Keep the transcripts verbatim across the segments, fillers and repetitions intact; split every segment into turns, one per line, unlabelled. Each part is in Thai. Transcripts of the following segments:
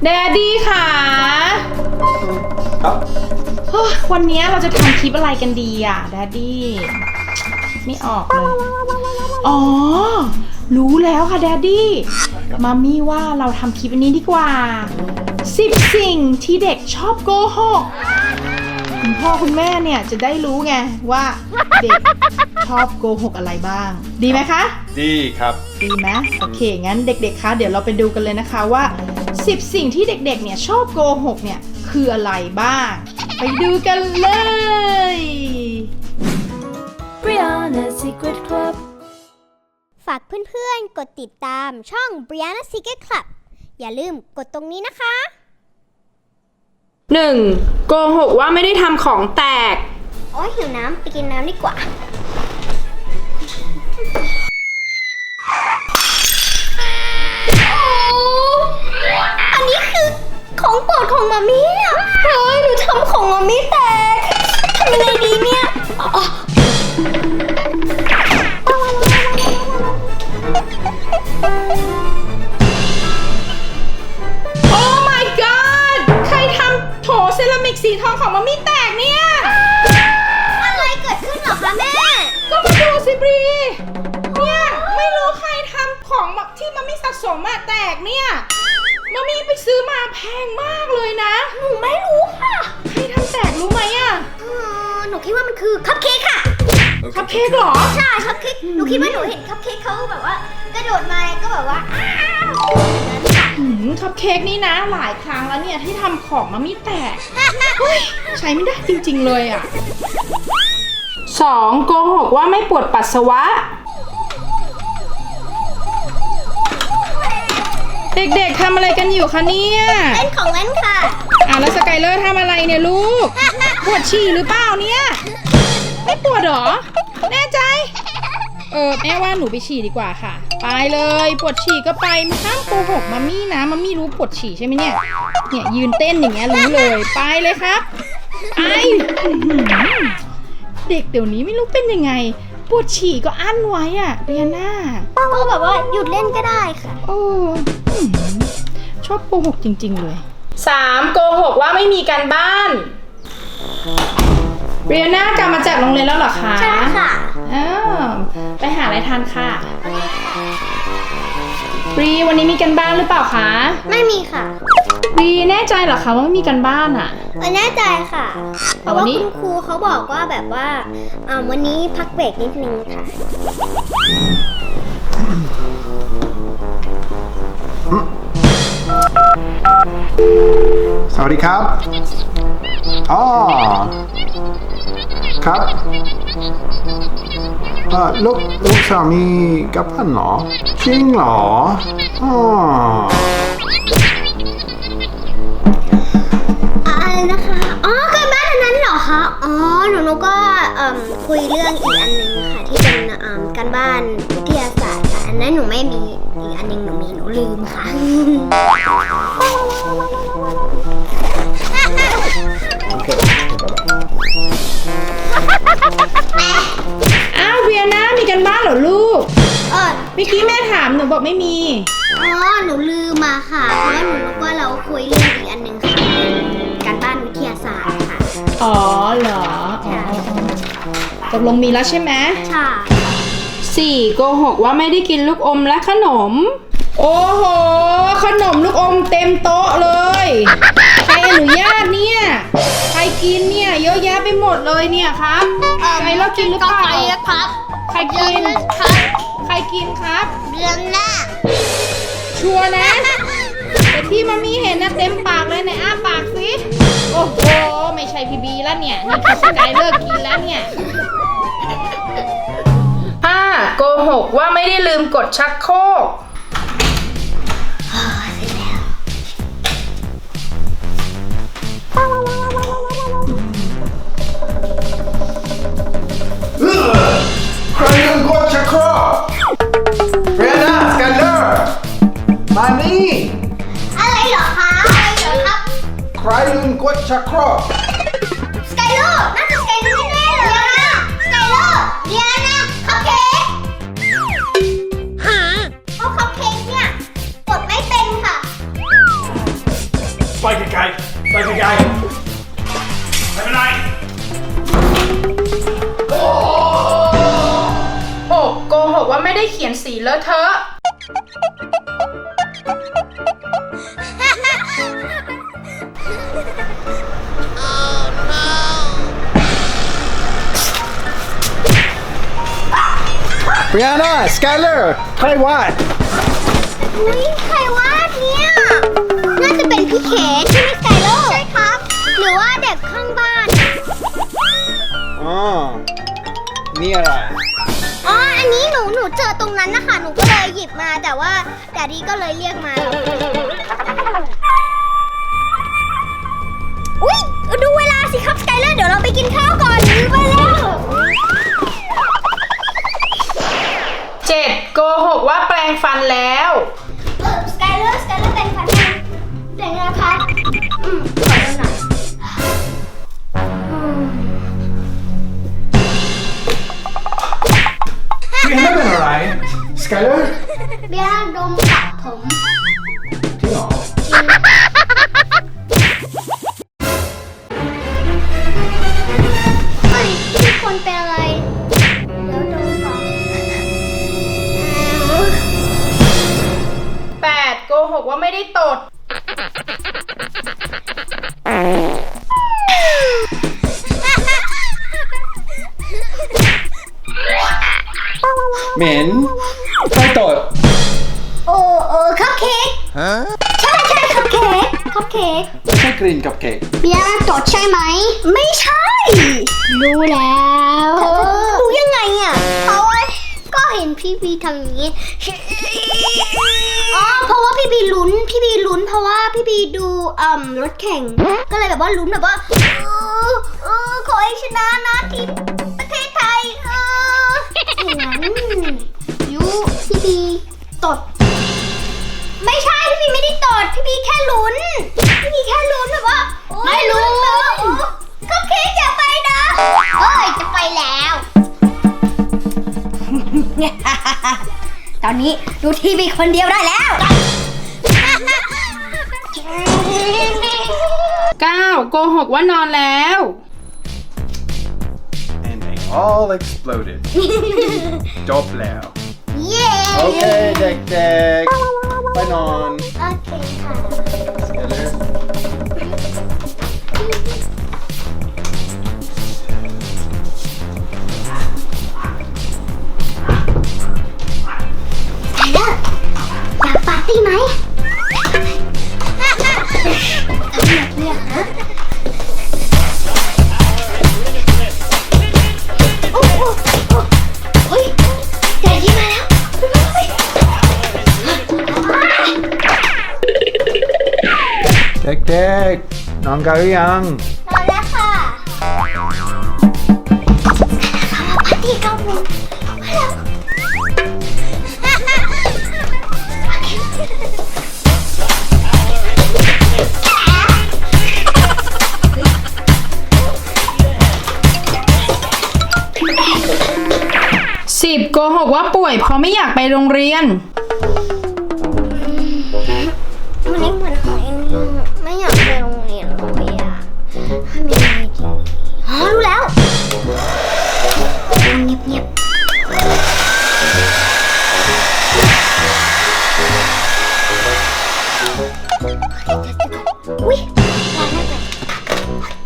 แดดดี้ค่ะ
ครับ
วันนี้เราจะทำคลิปอะไรกันดีอ่ะแดดดี้ไม่ออกเลยอ๋อรู้แล้วค่ะแดดดี้มามี่ว่าเราทำคลิปอันนี้ดีกว่าสิบสิ่งที่เด็กชอบโกหกคุณพ่อคุณแม่เนี่ยจะได้รู้ไงว่าเด็กชอบโกหกอะไรบ้างดีไหมคะ
ดีครับ
ดีไหมโอเคงั้นเด็กๆคะเดี๋ยวเราไปดูกันเลยนะคะว่าสิบสิ่งที่เด็กๆเนี่ยชอบโกหกเนี่ยคืออะไรบ้างไปดูกันเลย
Brianna Secret Club
ฝากเพื่อนๆกดติดตามช่อง Brianna Secret Club อย่าลืมกดตรงนี้นะคะ
หนึ่ง โกหกว่าไม่ได้ทำของแตก
โอ้ยหิวน้ำไปกินน้ำดีกว่าอันนี้คือของโปรดของมามี่เนี่ยเฮ้ยหนูทำของมามี่แตกทำยังไงดีเนี่ย
โอ้ my god ใครทำโถเซรามิกสีทองของมามี่แตกเนี่ย
อะไรเกิดขึ้นหรอคะแม่
ก็มาดูสิบรีเนี่ยไม่รู้ใครทำของที่มามี่สะสมมาแตกเนี่ยมามี่ไปซื้อมาแพงมากเลยนะ
หนูไม่รู้ค่ะ
ใครทำแตกรู้ไหมอ่ะ
หนูคิดว่ามันคือคัพเค้กค่ะ
คัพเค้กเหรอ
ใช่คัพเค้กหนูคิดว่าหนูเห็นคัพเค้กเขาแบบว่ากระโดดมาก็แบบว่าอ้าว
คัพเค้กนี่นะหลายครั้งแล้วเนี่ยที่ทำของมามี่แตกใช้ไม่ได้จริงๆเลยอ่ะสองโกหกว่าไม่ปวดปัสสาวะเด็กๆทำอะไรกันอยู่คะเนี่ย
เล่นของเล่นค่ะ
อ่ะแล้วสกายเลอร์ทำอะไรเนี่ยลูกปวดฉี่หรือเปล่าเนี่ยไม่ปวดหรอแน่ใจเออแม่ว่าหนูไปฉี่ดีกว่าค่ะไปเลยปวดฉี่ก็ไปห้ามโกหกมัมมี่นะมัมมี่รู้ปวดฉี่ใช่ไหมเนี่ยเนี่ยยืนเต้นอย่างเงี้ยรู้เลยไปเลยครับไปเด็กเดี๋ยวนี้ไม่รู้เป็นยังไงปวดฉี่ก็อั้นไว้อะเรียน่า
ก็แบบว่าหยุดเล่นก็ได้ค่ะ
โอ้ชอบโกหกจริงๆเลยสามโกหกว่าไม่มีการบ้านเรียน่ากลับมาจากโรงเรียนแล้วเหรอคะ
ใช่ค่ะ
อ้าวไปหาอะไรทานค่ะรีวันนี้มีการบ้านหรือเปล่าคะ
ไม่มีค่ะ
รีแน่ใจเหรอคะว่าไม่มีการบ้านอ่ะ
แน่ใจค่ะเพราะว่าคุณครูเขาบอกว่าแบบว่าวันนี้พักเบรกนิดนึงค่ะ
สวัสดีครับอ๋อครับเออลูกลูกสามีกลับบ้านเหรอจริงเหรออ๋อ
อะไรนะคะอ๋อการบ้านอันนั้นเหรอคะอ๋อหนูหนูก็คุยเรื่องอีกอันนึงค่ะที่เป็นการบ้านวิทยาศาสตร์ค่ะอันนั้นหนูไม่มีอีกอันนึงหนูมีหนูลืมค่ะ
อ้าวเวียน่ามีกันบ้านเหรอลูก
เออ
เมื่อกี้แม่ถามหนูบอกไม่มี
อ๋อหนูลืมมาค่ะเพราะว่าหนูรู้ว่าเราคุยเรื่องอีกอันนึงค่ะการบ้านวิทยาศาสตร์ค่ะ
อ๋อเหรออ๋อตกลงมีแล้วใช่ไหม
ใช่
สี่โกหกว่าไม่ได้กินลูกอมและขนมโอ้โหขนมลูกอมเต็มโต๊ะเลยใครอนุญาตเนี่ยใครกินเนี่ยเยอะแยะไปหมดเลยเนี่ยครับใครเลิกกินหรือเปล่า
ครับ
ใครกินใครกินครับ
เดือนหน้า
ชัวร์นะแต่ที่มามีเห็นนะเต็มปากเลยในอ้าปากสิโอ้โหไม่ใช่พีบีแล้วเนี่ยนี่คือสกายเลิกกินแล้วเนี่ยห้าโกหกว่าไม่ได้ลืมกดชักโครก
ใครลืมกดชักโครกเรียน่าสแกนเนอร์มานี่
อะไรเหรอคะอะไรเหรอครับ
ใครลืมกดชักโครก
สกายเลอร์น่าจะสกายเลอร์แน่ๆเลยนะสกายเลอร์เรียน่าคัพเค้กเพราะคัพเค้กเนี่ยกดไม่เป็นค่ะ
ไปไกลๆไปไกลๆไม่เป็นไร
โอ้โกหกว่าไม่ได้เขียนสีเลอะเทอะ
เรียนาสกายเลอร์ใครวาด
อุ้ยใครวาดเนี่ยน่าจะเป็นพี่เขนใช่ไหมสกายเลอร์ใช่ครับ หรือว่าเด็กข้างบ้าน
อ๋อนี่อะไร
อ๋อ อันนี้หนู หนูเจอตรงนั้นนะคะ หนูก็เลยหยิบมา แต่ว่าแดดดี้ก็เลยเรียกมา อุ้ยดูเวลาสิครับสกายเลอร์ เดี๋ยวเราไปกินข้าวก่อนลืมไปแล้ว
เจ็ดโกหกว่าแปรงฟันแล้ว
เออสกายเลอร์ สกายเลอร์เป็นฟันยังเป็นไงคะอืมขอดูหน่อยอืม
เรียนาเป็นอะไรสกายเลอร์
เบียร์ดมปักผม
จริงเหรอ
เฮ้ยทุกคนเป็นอะไร เดี๋ยวดมก่อน
แปดโกหกว่าไม่ได้ตด
เหม็นใครตด
โอ้เออคัพเค้กใช่ใช่คัพเค้กคัพเค้ก
ไม่ใช่กรีนกับเค้ก
เบียร์จดใช่ไหม ไม่ใช่ รู้แล้วรู้ยังไงอ่ะเพราะว่าก็เห็นพี่บีทำอย่างนี้ อ๋อ เพราะว่าพี่บีลุ้น พี่บีลุ้น เพราะว่าพี่บีดูอ่มรถแข่ง ก็เลยแบบว่าลุ้นแบบว่าเออเออขอให้ชนะนะทีมประเทศไทยเอออย่างนั้นยูพี่บีตด ไม่ใช่พี่บีไม่ได้ตดพี่บีแค่ลุ้น พี่บีแค่ลุ้นแบบว่าไม่ลุ้นก็เค้กอย่าไปนะเอ้ยจะไปแล้ว ตอนนี้ดูทีวีคนเดียวได้แล้ว
เก้าโกหกว่านอนแล้ว
and they all exploded จบแล้ว
เย้
โอเคเด็กๆไปนอน
โอเคค่ะ
สกายเลอร์
ไทเลอร์อยากปาร์ตี้ไหมทำแบบนี้ฮะโอ้โหโอ้ยแดดดี้มาแล้ว
เด็กๆนอนกันหรือยัง
นอนแล้วค่ะมาปาร์ตี้กันเลยมาแล้ว
สิบโกหกว่าป่วยเพราะไม่อยากไปโรงเรียน
วันนี้เหมือนของเอ็นไม่อยากไปโรงเรียนเลยอ่ะทำยังไงดีอ๋อรู้แล้วทำเงียบๆอุ้ยร้านนั่นไป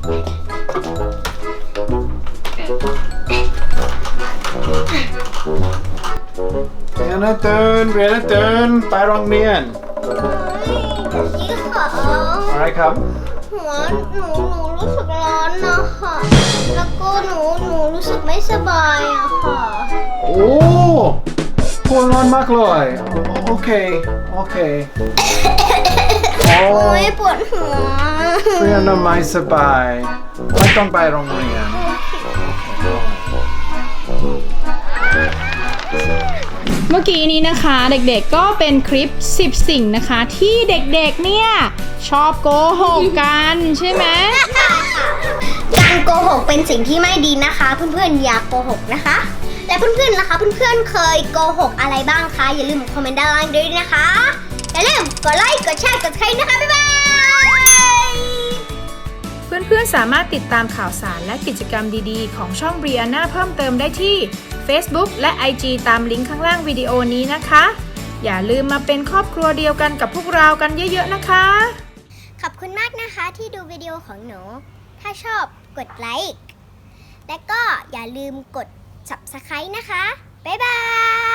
เรียนาตื่นเรียนาตื่นไปโรงเรียน
ยี่ขอ
อะไรครับ
หัวหนูหนูรู้สึกร้อนนะคะแล้วก็หนูหนูรู้สึกไม่สบายอะค่ะ
โอ้ปวดร้อนมากเลยโอเคโอเคโอ้
โอ้ยปวดหัว
เรียนไม่สบายไม่ต้องไปโรงเรียน
เมื่อกี้นี้นะคะเด็กๆก็เป็นคลิปสิบสิ่งนะคะที่เด็กๆเนี่ยชอบโกหกกันใช่ไหม
การโกหกเป็นสิ่งที่ไม่ดีนะคะ เพื่อนๆอย่าโกหกนะคะ และเพื่อนๆนะคะเพื่อนๆเคยโกหกอะไรบ้างคะอย่าลืมคอมเมนต์ด้านล่างด้วยนะคะอย่าลืมกดไลค์กดแชร์กดใครนะคะบ๊ายบาย
เพื่อนๆ สามารถติดตามข่าวสารและกิจกรรมดีๆ ของช่อง Brianna เพิ่มเติมได้ที่ Facebook และ ไอ จี ตามลิงก์ข้างล่างวิดีโอนี้นะคะ อย่าลืมมาเป็นครอบครัวเดียวกันกับพวกเรากันเยอะๆนะคะ
ขอบคุณมากนะคะที่ดูวิดีโอของหนู ถ้าชอบกดไลค์ และก็อย่าลืมกด ซับสไครบ์ นะคะ บ๊ายบาย